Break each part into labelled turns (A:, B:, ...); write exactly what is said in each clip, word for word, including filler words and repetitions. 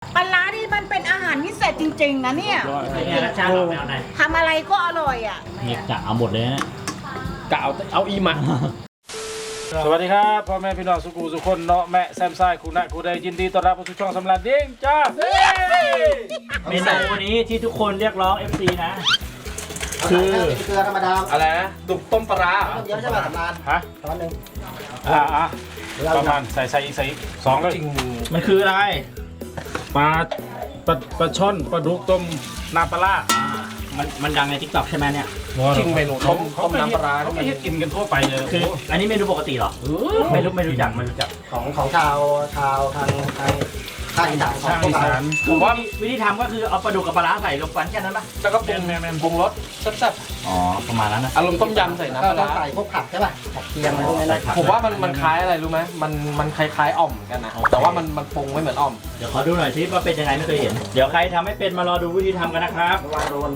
A: ปลาร้านี่มันเป็นอาหารพิเศษจริงๆนะเนี่ย
B: เป็นไงรสชาติออกแนวไหน
A: ทำอะไรก็อร่อยอ่ะ
B: นี่กะเอาหมดเลยนะ
C: กะเอาเอาอีมา
D: สวัสดีครับพ่อแม่พี่น้องสุกูสุคนเนาะแม่แซมไซคุณนะกูได้ยินดีต้อนรับเข้าสู่ช่องสำราญเด้งจ้า
B: เมนูวันนี้ที่ทุกคนเรียกร้อง เอฟ ซี นะ
E: คือเกลือธรรมดา
C: อะไรนะตุกต้มปลา
E: ต้มเยอะใช่ไหมสำราน
D: ฮะ
E: ช้อนหนึ่ง
D: อ่าอ่ะประมาณใส่ใส่อีกใส่อีกสองเลย
C: จริง
B: มันคืออะไร
D: ปลาปลาปลาช่อนปลาดุกต้มน้ำปลาร้า
B: อ่ามันมันดังในทิกตอกใช่ไหมเนี่ย
C: จริงเมนู
D: เขา
C: ต้ม
D: เขา
C: ต้ม
D: ไม่
C: น้ำปลา
D: เขาไม่ให้กินกันทั่วไปเลย
B: คืออันนี้เมนูปกติเหรอไม่รู้ไม่รู้จักไม่รู้จัก
E: ของของชาวชาวทางทางภาคอีสานของ
D: ช่าง
E: พว
D: อี
E: กเรา
D: สาน
B: ผมว่าวิธีทำก็คือเอาปลาดุกกับปลาร้าใส่ลงกันแค่นั้นปะ
C: แล้วก็ปรุงปรุงรสแซ่บ
B: อ๋อประมาณนั้นนะ
C: ๆอารมณ์ต้มยำใส่น้ำป
E: ก็
C: ลา
E: ต้อง
C: ร้า
E: ใส่พวกผักใช่ป่ะผักเคียงอะไรพวกนี้นะ
C: ผมว่ามันมันคล้ายอะไรรู้ไหมมันมันคล้ายๆอ่อมกันนะแต่ว่ามันมันปรุงไม่เหมือนอ่อม
B: เดี๋ยวขอดูหน่อยสิว่าเป็นยังไงไม่เคยเห็นเดี๋ยวใครทำไม่เป็นมารอดูวิธีทำกันนะครับ
E: วางโดน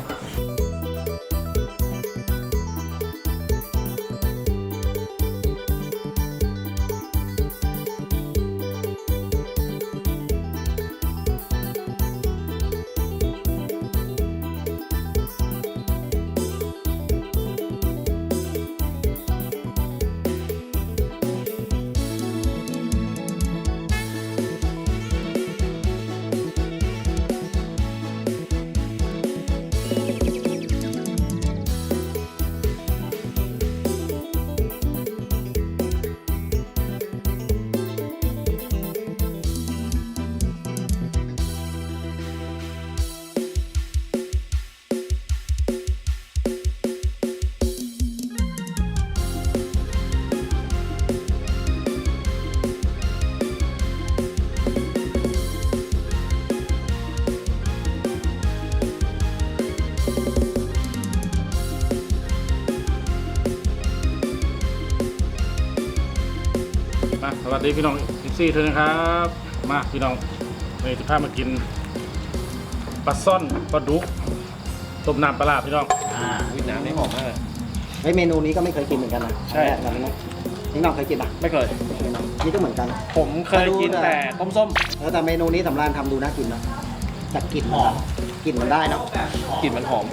D: มาสวัสดีพี่น้องอีซี่เธอนะครับมาพี่น้องวันนี้จะพามากินปลาซ่อนปลาดุกต้มน้ำปลาร้าพี่น้อง
B: อ่า
C: วิน้ำนี่หอมมากเลย
E: เฮ้ยเมนูนี้ก็ไม่เคยกินเหมือนกันนะ
D: ใช่
E: แรกแบบนี้นะนี่น้องเคยกินป่ะ
C: ไม่เคย
E: ไม่น้องนี่ก็เหมือนกัน
C: ผมเคยกินแต่ต้มส้ม
E: เออแต่เมนูนี้สำรานทำดูน่ากินนะแต่กลิ่น
B: หอม
E: กลิ่นมันได้เนาะ
C: กลิ่นมันหอม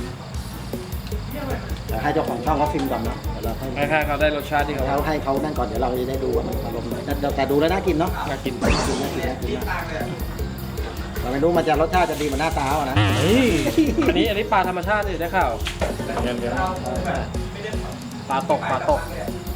E: แต่ให้เจ้าของช่องเขาฟิล์มก่อนเนาะเดี๋ยวเราให้
C: คล้ายๆเขาได้รสชาติที่เขา
E: เขาให้เขานั่นก่อนเดี๋ยวเราจะได้ดูว่ามันอารมณ์ไหนแต่แต่ดูแล้วน่ากินเนาะ
C: น่ากิน
E: น่ากินน่ากินน่ากินมากเราไม่รู้มันจะรสชาติจะดีเหมือนหน้าตาเอานะ
D: เฮ้ย
C: อันนี้อันนี้ปลาธรรมชาติเลยได้ข่าว
D: เดี๋ยวเดี๋ยว
C: ปลาตกปลาตก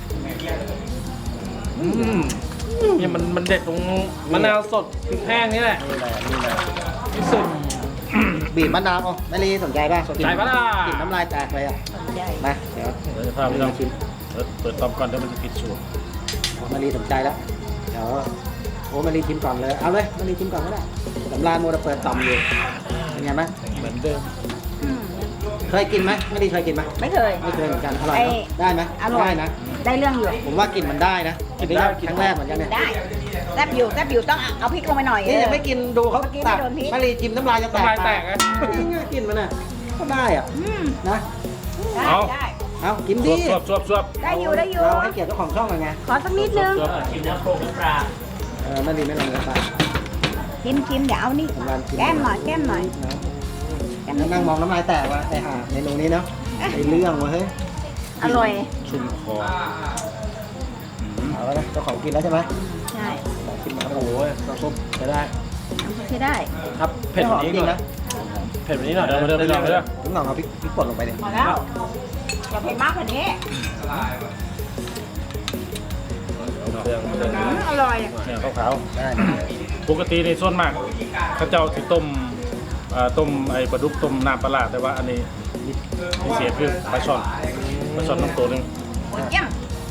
C: อืมเนี่ยมันมันเด็ดตรงมะนาวสดพริกแห้งนี่แหละ
E: นี่แหละนี่แหละ
C: ที่สุด
E: บีบมะนาวอ๋อไม่รีสนใจป่ะ
C: สนใจปะล่ะ
E: กลิ่นน้ำลายแตกเลยอ่ะมาเดี๋ยว
D: เดี๋ยวจะพาพี่น้องชิมเปิดเปิดตอมก่อนเดี๋ยวมันจะผิดสูตร
E: มารีสนใจแล้วเดี๋ยวโอ้มารีชิมก่อนเลยเอาเลยมารีชิมก่อนก็ได้สำรานโมดเปิดต่อมอยู่เป็นไงไหม
D: เหมือนเดิม
E: เคยกินไหมไม่รีเคยกินไหม
A: ไม่เคย
E: ไม่เคยเหมือนกันอร่อย
A: ไอ้
E: เนอะได้ไหม
A: อร่อย
E: ได้นะ
A: ได้เรื่องอยู่
E: ผมว่ากลิ่นมันได้นะกินได้ครั้งแรกเหมือนกันเนี่ย
A: ได้แซบอยู่แซบอยู่ต้องเอาพริกลงไปหน่อย
E: นี่ยังไม่กินดูเขา
A: เมื่อกี้
E: ตัก
A: ไม่โดนพริก
E: มารีชิมน้ำลายจะแตก
C: น้ำลายแตกไง
E: นี่ไงกลิ่นมันอ่ะก็ได้อ่ะ
A: อืม
E: นะ
A: ได้ได้
E: เอากิน
D: ส
E: ดิ
D: วบสวบสวบสวบ
A: ได้อยู่ได้อยู่
E: เราให้เกียรติเจ้าของช่องหน่อยไง
A: ขอสักนิดนึง
D: สวบ
B: ชิมน้ำโครกน้ำปลา
E: เออไม่ดีไม่ลงเลยป่ะ
A: ชิมชิมเดี๋ยวเอานี่
E: สำรานชิม
A: แก้มหน่อยแก้มหน่อยแก้มหน่อย
E: นั่งมองน้ำลายแตกว่ะไอ้ห่าเมนูนี้เนาะไอ้เรื่องวะเฮ้ย
A: อร่อย
D: ชุ่มคอ
E: เอาแล้วนะเจ้าของกินแล้วใช่ไหม
A: ใช่
E: ลองชิมมา
C: โอ้โหน้ำซุปใช้ได้
A: ใช้ได้
C: ครับเผ็ด
E: ห
C: แบ
E: อบ ม
C: นี้
E: จริ
C: ก่
E: ง
C: อน
E: นะ
C: เผ็ดแบบนี้หน่อย
D: เดี๋ยวมาเดี๋ยวมาเดี๋ยวมาเดี๋ยว
E: ผมลองเอาพริกพริกป่นลงไปดิ
A: พอแล้วอย่าเผ็ดมากกว่านี้
C: เครื่องเครื่อง
A: อืมอร่อย
D: เนี่ยขาว
E: ได้
D: ๆปกติในส่วนมากเขาเจ้าสิต้มเอ่อต้มไอ้ปลาดุกต้มน้ำปลาร้าแต่ว่าอันนี้พิเศษคือปลาช่อนปลาช่อนน้ำตัวหนึง
A: เยี่ยม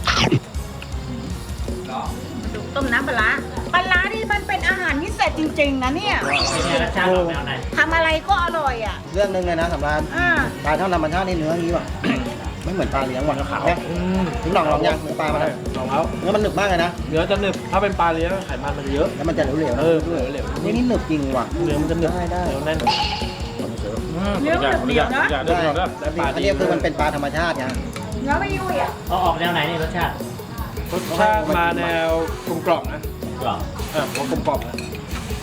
A: ต้มน้ำปลาร้าปลาร้านี่มันเป็นอาหารพิเศษจริงๆนะเนี่ย
B: เป็นไงรสชาติออกแนวไหน
A: ทำอะไรก็อร่อยอ่ะ
E: เรื่องหนึงเลยนะสำราน
A: อ่า
E: ปลาเท่าธรรมชาตินี่เนื้ออย่างนี้ว่ะ ไม่เหมือนปลาเลี้ยงว่ะขาวถึงลองลองยังเนื้อปลามาแล้ว
C: ลองแล้ว
E: เนื้อมันหนึบมากเลยนะ
C: เนื้อจะหนึบถ้าเป็นปลาเลี้ยงไขมันมันเยอะ
E: แล้วมันจะเหลวๆนะ
C: เออเหลวเหลว
E: นี่นี่หนึบจริงว่ะ
C: เนื้อมันจะหนึบ
E: ได้ได้
C: เหนียวแน่น
D: เนื้อมันเดียวนะเดี๋ยวเดี๋ยวเดี๋ยว
C: ได้ปลา
E: อัน
C: ดี
E: นี้คือมันเป็นปลาธรรมชาติไง
A: เนื้อไม่ยุ่ยอ่ะ
B: เอาออกแนวไหนนี่รสชาติ
C: รสชาติมาแนวกลมกล่อมนะ
B: กรอบ
C: เออผมว่ากลมกล่อมนะ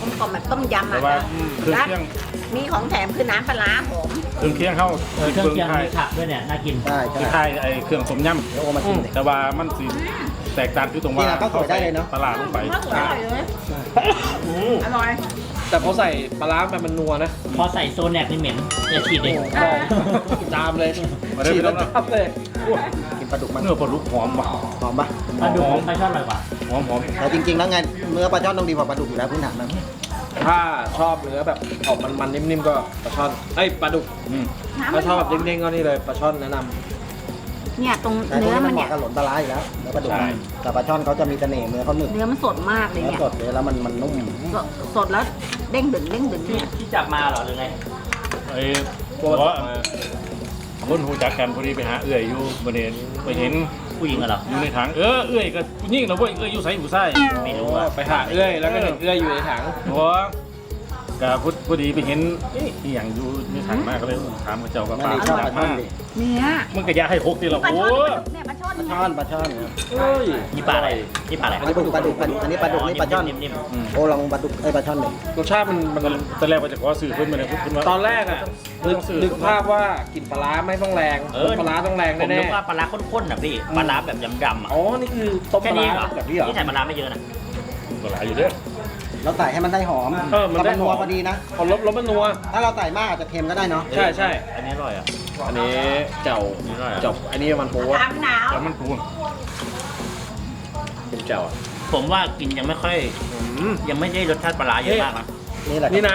A: กลมกล่อมแบบต้มยำ
D: แต่
A: อ่ะ
D: ว่า
A: นะ
D: เครื่อง
A: และ
D: เคียง
A: มีของแถมคือน้ำปลาร้าหอม
D: เครื่องเคียงเข้า
B: เออเครื่องเคียง
D: ไทย
B: มีผักด้วยเนี่ยน่ากิน
E: ใช่
D: คือ
E: ใช่
D: ไทยไอ้เครื่องต้มย
E: เดี๋ยวโอมาชิมดิ
D: ำแต่ว่ามันสิแตกต่างคือตรงว่า
E: นี่นะก็สวยได้เลยเนอะ
D: ปลาร้าลงไป
A: มากอร่อยเลย
C: อืม
A: อร่อย
C: แต่พอใส่ปลาร้าไปมันนัวนะ
B: พอใส่โซแนกนี่เหม็นอย่าฉีดเลย
C: ใช่จามเลยฉีดแล้วจามเลย
E: กินปลาดุกมัน
D: เนื้อปลาดุกหอมว่ะ
E: หอมปะ
B: ปลาดุกของปลาช่อนอร่อยกว่า
D: หอมหอม
E: แต่จริงๆแล้วไงเนื้อปลาช่อนต้องดีกว่าปลาดุกอยู่แล้วพื้นฐานมัน
C: ถ้าชอบเนื้อแบบออกมันๆนิ่มๆก็ปลาช่อนเอ้ยปลาดุก
D: อืม
C: ถ้าชอบแบบเด้งๆก็นี่เลยปลาช่อนแนะนำ
A: เนี่ยตรง
E: แต่พวก
A: เนื้อ
E: นี้
A: มั
E: มัน
A: น
E: เห
A: เนี่
E: มาะ
A: ย
E: กับหลนปลาร้าอยู่แล้วเนื้อปลาดุก
D: ใช่
E: แต่ปลาช่อนเขาจะมีเสน่ห์เนื้อเขาหนึบ
A: เนื้อมันสดมากเลย
E: เนื้อ
A: เนี่ย
E: สดเลยแล้วมันมันนุ่ม
A: สดสดแล้วเด้งดึงเด้งดึง
B: ที่
A: เนี่ย
B: ที่จับมาเหรอหรือไง
D: ไอ้เพราะว่าคนหูจักกันพอดีไปหาเอื้อยอยู่บริเวณไปเห็น
B: ผู้หญิงเหรอ
D: อยู่ในถังเออเอื้อยก็ผู้หญิงเราเว้ยเอื้อยอยู่ไสอยู่ไส้
B: ไม่รู้อ่ะ
C: ไปหาเอื้อยแล้วก็เห็นเอื้อยอยู่ในถัง
D: หัวก็พอพอดีไปเห็นเอ๊ะอหย่างอยู่ในถังมากก็เลยถามเขาเจ้าก็
E: ไม่
D: ปลา
E: ได้ชอบป
D: จั
E: ลา
D: บ
E: ช่อ
D: มาน
E: ดิ
A: เนี่ย
D: มึงก็อยาให้หกทีละ
A: ปลา
D: โอ้
A: ช่อนเนี่ยปลาช่อน
E: ปลา
A: เนี่ย
E: ช่อนปลาช่อนครับ
C: เฮ้ย
B: นี่ปลาอะไรนี่ปลาอะไร
E: อันนี้ปลาดุกปลาดุกปลาดุกอันนี้ปลาดุกนี่ปลาช่อน
B: นิ่ม
D: อืม
E: โอ้ลองปลาดุกไอ้ยปลาช่อนหนึ่ง
C: รสชาติมันมัน
D: ตอนแรกว่าจะขอสื่อเพิ่นมาเลยเพิ่นว่า
C: ตอนแรกอ่ะนึกนึกภาพว่ากลิ่นปลาร้าไม่ต้องแรง
B: ๆเออ
C: ปลาร้าต้องแรง
B: ผม
C: แน่
B: นึกว่าปลาร้าข้นๆนะพี่ปลาร้าแบบดำๆอ่ะ
C: ๆอ๋อนี่คือต้มป
B: แค่
C: ลา
B: นี้
C: ร้า
B: เหรอ
C: แบบนี้เหรอ
B: นี่ใส่ปลาร้าไม่เยอะนะ
D: ก็หลายอยู่เด้อ
E: เราใส่ให้มันได้หอม
C: เออมันได้
E: นัว
C: หอม
E: พอดีนะ
C: พอลบลบมันนัว
E: ถ้าเราใส่มากอาจจะเค็มก็ได้เนาะ
C: ใช่ใช่
B: อันนี้อร่อยอ่ะ
C: อันนี้เจ้า
B: นี่อร่อยอ่ะ
C: เจ้าอันนี้มันปู
A: ตามหนาว
D: แล้วมันปูน
C: เป็นเจ้าอะ
B: ผมว่ากินยังไม่ค่อย
C: อืม
B: ยังไม่ได้รสชาติปลาร้าเยอะมากนะ
E: นี่แหละ
C: นี่นะ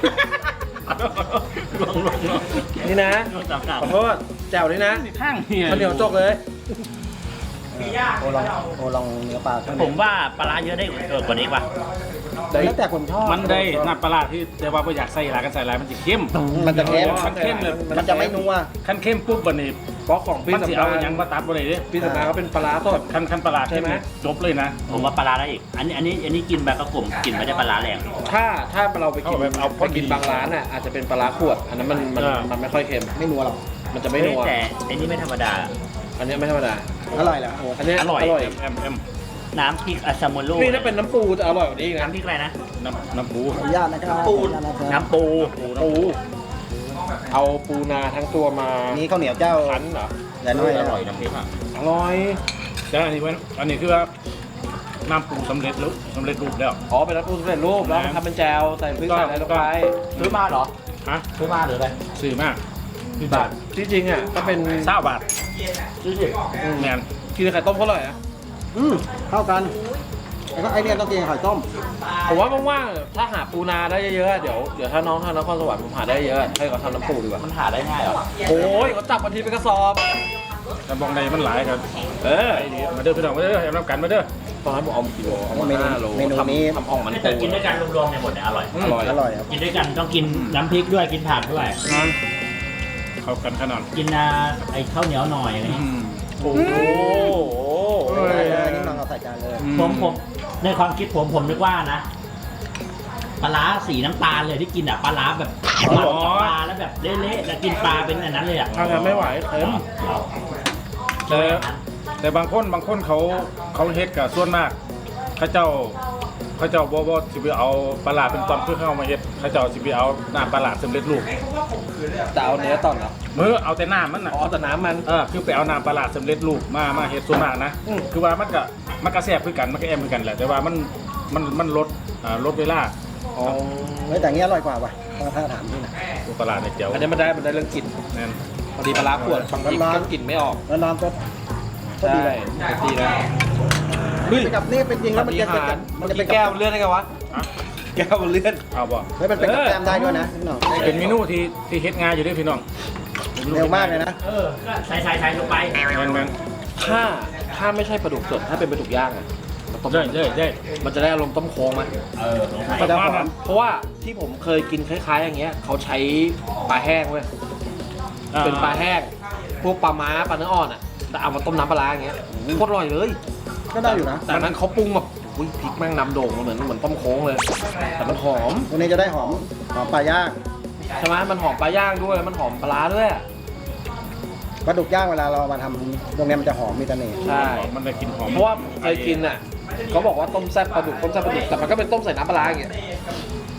B: ลองลองลอง
C: นี่นะ
B: ลองจับจับ
C: ขอโทษเจ้านี่นะ
D: ข้างเฮีย
C: ข้าวเหนียวจกเลย
E: โอลองโอลองเนื้อปลาช่อน
B: ผมว่าปลาร้าเยอะได้เออกว่านี้ป่ะ
E: แล้วแต่คนชอบ
D: มันได้น้ำปลาร้าที่แต่ว่าบ่อยากใส่หลายกันใส่หลายมันจะเข้ม
E: มันจะเค็ม
D: มันเข้มเลย
E: มันจะไม่นัว
D: ขั้นเข้มปุ๊บบัดนี้
C: เพราะของพี่
D: มันสิ
C: สำ
D: เอา
C: ราญ
D: หยังมาตัดบ่ได้เด้
C: พี่สำราญเขาเป็นปลาร้าสด
D: ขั้นขั้นปลาร้า
C: ใช่ไหม
D: จบเลยนะ
B: ผมว่าปลาร้าได้อีก อันนี้อันนี้อันนี้กินแบบกระกลุ่มกินไม่ได้ปลาร้าแรง
C: ถ้าถ้าเราไปกิน
D: เอาแบบเอาพ
C: ไป
D: อดี
C: กินบางร้านอ่ะอาจจะเป็นปลาร้าขวด อันนั้นมันมัน
D: เออ
C: มันไม่ค่อยเค็ม
E: ไม่นัวหรอก
C: มันจะไม่นัว
B: เฮ้ยแต่อันนี้ไม่ธรรมดา
C: อันนี้ไม่ธรรมดา
E: อร่อยแหละโอ้
C: อันนี้
B: อร่อย
C: อร่อย
D: แอมแอม
B: น้ำพริกอาซาโมโร่
C: นี่ถ้าเป็นน้ำปูจะอร่อยกว่านี้อีกนะ
B: น้ำพริกอะไรนะ
D: น้ำน้ำปู
E: ขออนุญาตนะครับ
C: ปู
E: ขออนุญาตนะครับ
B: น้ำปู
C: ปูเอาปูนาทั้งตัวมา
E: นี่ข้าวเหนียวเจ้า
C: คั้นเหรอ
E: อย่าน้อย
B: อ
E: นะ
B: ร่อยน้ำพริกอ่ะ
C: อร่อย
D: แต่อันนี้เว้นอันนี้คือว่าน้ำปูสำเร็จรูปสำเร็จรูปแล้ว
C: อ๋อเป็นน้ำปูสำเร็จรูปแล้วทำเป็นแจวใส่พริกใส่อะไรลงไป
B: ซื้อมาเหรอ
D: ฮะ
B: ซื้อมาหรืออะไร
D: ซื้อมาก
C: กี่บาทที่จริงอ่ะก็เป็น
D: เศร้าบาท
B: ซื้อสิ
D: แมน
C: กินไข่ต้มเขาอร่อยอ่ะ
E: อืมเข้ากันแล้วก็ไอเนี่ยต้องกินกับไข่ต้ม
C: ผมว่าว่างๆถ้าหาปูนาได้เยอะๆเดี๋ยวเดี๋ยวถ้าน้องทางนครสวรรค์ผมหาได้เยอะให้เขาทำน้ำปูดีกว่า
B: มันหาได้ง่ายเหรอ
C: โอ้ยเขาจับมาทีเป็นกระสอบ
D: กระบอกในมันหลายกัน
C: เออ
D: ไอ้นี่มาเด้อพี่น้องมาเด้อแอมน้ำกันมาเด้อ
C: ตอนนั้นผมเอามากี่โลเอามา
E: เมนู
C: ห้าโล
E: เมนู
C: ทำ
E: นี้
C: ทำอ่องมัน
B: แต่
C: ปู
B: กินด้วยกันรวมๆเนี่ยหมดเนี่ยอร่อย
C: อร่อย
E: อร่อยครับ
B: กินด้วยกันต้องกินน้ำพริกด้วยกินผักด้วย
D: งานเข้ากันขนาด
B: กินอ่าไอ้ข้าวเหนียวหน่อยอะไรเงี้ย
C: โอ้โห
E: ได้เลยนี่ลองเอาใส่จานเลย
B: ผมผมในความคิดผมผมนึกว่านะปลาร้าสีน้ำตาลเลยที่กินอ่ะปลาร้าแบบหมักกับปลาแล้วแบบเละๆแล้วกินปลาเป็นอันนั้นเลยอ่ะ
C: ทางกันไม่ไหวเค็ม
D: แต่แต่บางคนบางคนเขาเขาเฮ็ดกับส่วนมากเขาเจ้าเขาเจ้าบ่บ่สิไปเอาปลาร้าเป็นตอนเพื่อเข้ามาเฮ็ดเขาเจ้าสิไปเอาน้ำปลาร้าสำเร็จรูป
C: จะเอาเนื้อตอนเหรอ
D: มือเอาแต่น้ำมันน่ะ
C: อ๋อแต่น้ำมัน
D: เออคือไปเอาน้ำปลาร้าสำเร็จรูปมามาเฮ็ดส่วนมากนะ
C: อืม
D: คือว่ามันก็มันก็แซ่บคือกันมันก็แอมคือกันแหละแต่ว่ามันมันมันลดอ่าลดเวลา
C: อ๋อ
E: เฮ้ยแต่อย่างนี้อร่อยกว่าว่ะถ้าถามพี่นะ
D: ปลาร้าเนี่ยเจียว
C: อันนี้มันได้มันได้เรื่องกลิ่น
D: แน่น
C: พอดีปลาร้าขวดบางทีก็กลิ่นไม่ออก
E: แล้วน้ำก็ก็
C: ใช่
E: ดีเลย
C: ดีนะ
E: เฮ้ยกับนี่เป็นจริงแล้วมันจะเป็น
C: มั
E: มัน น
C: จะ
E: จะ
C: เป็
E: เป็น น
C: แก้
E: แก้
C: ว
E: ว
C: มันเลื่อนได้ไงวะ
D: อ่ะ
C: แก้วมันเลื่อน
D: เอาบ่
E: เฮ้ยมันเป็นกับแก้มได้ด้วยนะพี่น้อง
D: เป็นเมนูที่ที่เฮ็ดง่ายอยู่เด้วยพี่น้อง
E: เร็วมากเลยนะ
B: เออก็ใส่ใส่ใส่ลงไป
D: แม่นแม่น
C: ถ้าถ้าไม่ใช่ปลาดุกสดถ้าเป็นปลาดุกย่างอะต้ม
D: เย้เย้เย้
C: มันจะได้อารมณ์ต้มโค้งไหม
B: เออสงสัย
E: ก็จะหอม
C: เพราะว่าที่ผมเคยกินคล้ายๆ อย่างเงี้ยเขาใช้ปลาแห้งเว้ยเป็นปลาแห้งพวกปลาม้าปลาเนื้ออ่อนอ่ะแต่เอามาต้มน้ำปลาร้าอย่างเงี้ยโคตรอร่อยเลย
E: ก็ได้อยู่นะ
C: แต่นั้นเขาปรุงแบบอุ้ยพริกแม่งนำโด่งมาเหมือนเหมือนต้มโค้งเลย แต่มันหอม
E: ตรงนี้จะได้หอมหอมปลาย่าง
C: ใช่ไหมมันหอมปลาย่างด้วยมันหอมปลาร้าด้วยอะ
E: ปลาดุกย่างเวลาเรามาทำตรงนี้มันจะหอมมีเสน่ห์
C: ใช่
D: มันได้กลินหอม
C: เพราะว่าผมเคยกินอ่ะเขาบอกว่าต้มแซ่บปลาดุกต้มแซ่บปลาดุกแต่มันก็เป็นต้มใส่น้ำปลาร้าอย่างเงี้ย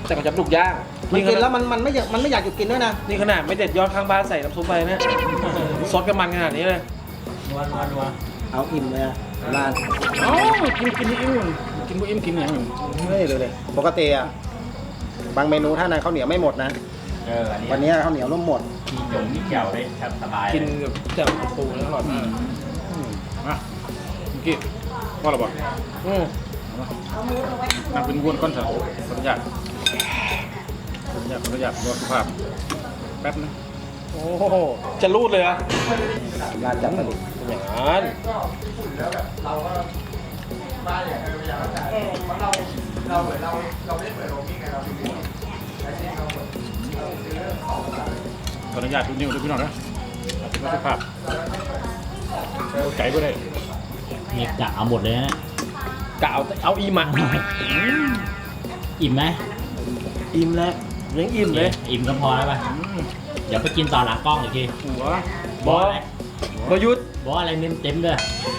C: แต่มันจะปลุกย่าง
E: มันกินแล้ว
C: ข
E: มันมันไม่อยากมันไม่อยากหยุดกินด้วยนะ
C: นี่ขนาดไม่เด็ดยอดข้างบ้านใส่น้ำซุปไปเนี่ยซดกับมันขนาดนี้เลย
B: นัวนัวนัว
E: เอาอิ่มเลยอะร้าน
D: เอ้ากินกินอิ่มกินบ่อิ่มกินอย่างอื่น
E: ไม่เลยเลยปกติอะบางเมนูถ้าในข้าวเหนียวไม่หมดนะ
B: เอออันนี้
E: วันนี้ข้าวเหนียวร่วมหมด
B: มีหยงมีเจียวได้ครับสบาย
C: กินกับแจ่วปูแล้วอร่อยมาก
D: มาเมื่อกี้ว่าเราบอก
C: อืม
D: นั่งเป็นวนก้อนเถอะขออนุญาตขออนุญาตขออนุญาตรอสุภาพแป๊บนึง
C: โอ้โหจะรูดเลยอะ
E: ร้านจับมาดิ
C: อย่างนั้น
D: ขออนุญาตดูนิ้วด้วยพี่น้องนะรอสุภาพเอาใจก็ได้
B: มีกะเอาหมดเลยนะ
C: กะเอาเอาอีหมัก
B: อิ่มไหม
C: อิ่มแล้วยังอิ่มเลย
B: อิ่มก็พอแล้วป่ะ
D: อืม
B: เดี๋ยวไปกินต่อหลังกล้องอีกที
D: หัว
B: บอสอะไร
C: ประยุทธ์
B: บอสอะไรเต็มเต็มๆเลย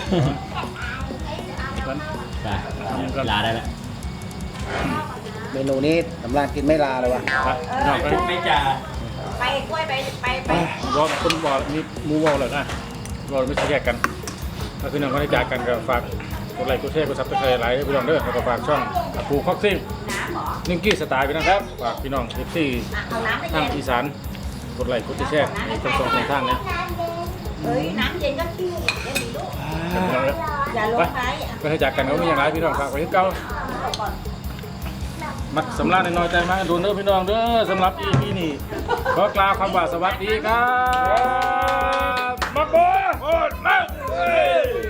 D: กัน
B: ไปลาได้แล้ว
E: เมนูนี้สำรานกินไม่ลาเลยวะ
D: ไปน้องไป
B: ไม่จ่า
A: ไปกล้วยไปไปไป
D: บอกคนบอกมีหมูบอกเลยนะบอกไม่ใช่แยกกันถ้าคือน้องเขาได้จากกันก็ฝากกดไลค์กดแชร์กดซับสไครต์ไลค์ให้พี่น้องเด้อแล้วก็ฝากช่องปูคอกซิ่ง
A: น้ำเหรอ
D: นิงกี้สไตล์ไปนะครับฝากพี่น้องเอฟซี
A: อ่ะเอาน้ำไป
D: ทาง
A: เย็น
D: อีสานกดไลค์กดแชร์ในทั้งสองทางนะ
A: เฮ้ยน้ำเย็นก็ขี้เย็นดีลูกอย่าลงไปอ่ะ
D: ไปให้จากกันก็มีอย่างไรพี่น้องฝากไว้ที่เก้ามักสำลักน้อยใจมากดูเด้อพี่น้องเด้อสำหรับ อี พี นี้ขอกล่าวคำว่าสวัสดีครับมาโบโอ้ยมา